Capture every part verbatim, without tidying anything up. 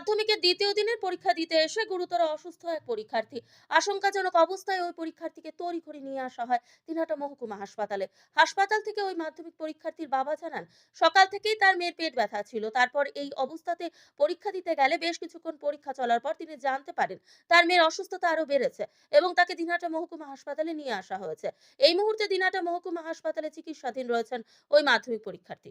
মাধ্যমিকের দ্বিতীয় দিনের পরীক্ষা দিতে এসে গুরুতর অসুস্থ এক পরীক্ষার্থী। আশঙ্কাজনক অবস্থায় ওই পরীক্ষার্থীকে তড়িঘড়ি নিয়ে আসা হয় দিনহাটা মহকুমা হাসপাতালে। হাসপাতাল থেকে ওই মাধ্যমিক পরীক্ষার্থীর বাবা জানান, সকাল থেকেই তার মেয়ের পেট ব্যথা ছিল। তারপর এই অবস্থাতে পরীক্ষা দিতে গেলে বেশ কিছুক্ষণ পরীক্ষা চলার পর তিনি জানতে পারেন তার মেয়ের অসুস্থতা আরো বেড়েছে এবং তাকে দিনহাটা মহকুমা হাসপাতালে নিয়ে আসা হয়েছে। এই মুহূর্তে দিনহাটা মহকুমা হাসপাতালে চিকিৎসাধীন রয়েছেন ওই মাধ্যমিক পরীক্ষার্থী।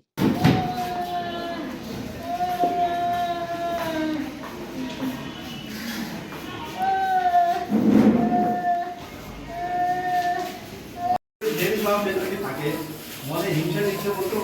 থাকে মনে হিংসা দিচ্ছে বলতে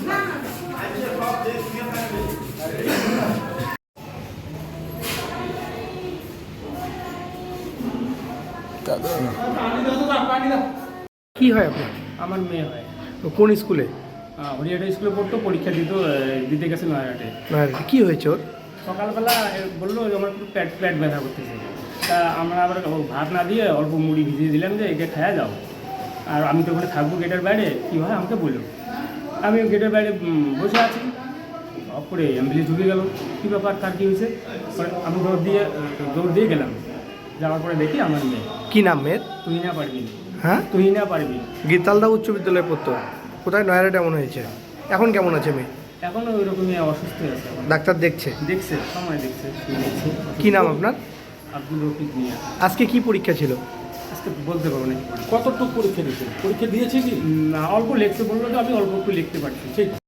কি হয় আপনার? আমার মেয়ে হয়। তো কোন স্কুলে? হরিয়াটা স্কুলে পড়তো, পরীক্ষা দিত দিতে গেছে নয়াহাটে। নয়াহাটে কি হয়েছে ওর? সকালবেলা বললো যে আমার একটু পেট পেট ব্যথা করতেছে। তা আমরা আবার ভাত না দিয়ে অল্প মুড়ি ভিজিয়ে দিলাম যে একে খাওয়া যাও, আর আমি তো ওখানে থাকবো গেটের বাইরে, কী হয় আমাকে বললো। আমি গেটের বাইরে বসে আছি, অপরে অ্যাম্বুলেন্স ঢুকে গেল। কী ব্যাপার, কার কী হয়েছে? আমি দৌড় দিয়ে দৌড় দিয়ে গেলাম, যাওয়ার পরে দেখি আমার মেয়ে। কি নাম মেয়ের? তুই না পারবি। হ্যাঁ, তুই না পারবি। গীতালদা উচ্চ বিদ্যালয়ে পড়তো। কোথায়? নয়াহাটে। এমন হয়েছে। এখন কেমন আছে মেয়ে? এখনও ওই রকমই অসুস্থ আছে। ডাক্তার দেখছে? দেখছে, সময় দেখছে, দেখছে। কি নাম আপনার? আব্দুল রফিক মিয়া। আজকে কি পরীক্ষা ছিল? আজকে বলতে পারবো না। কতটুকু পরীক্ষা দিয়েছে? পরীক্ষা দিয়েছে কি না, অল্প লিখতে বললো, তো আমি অল্প একটু লিখতে পারছি। ঠিক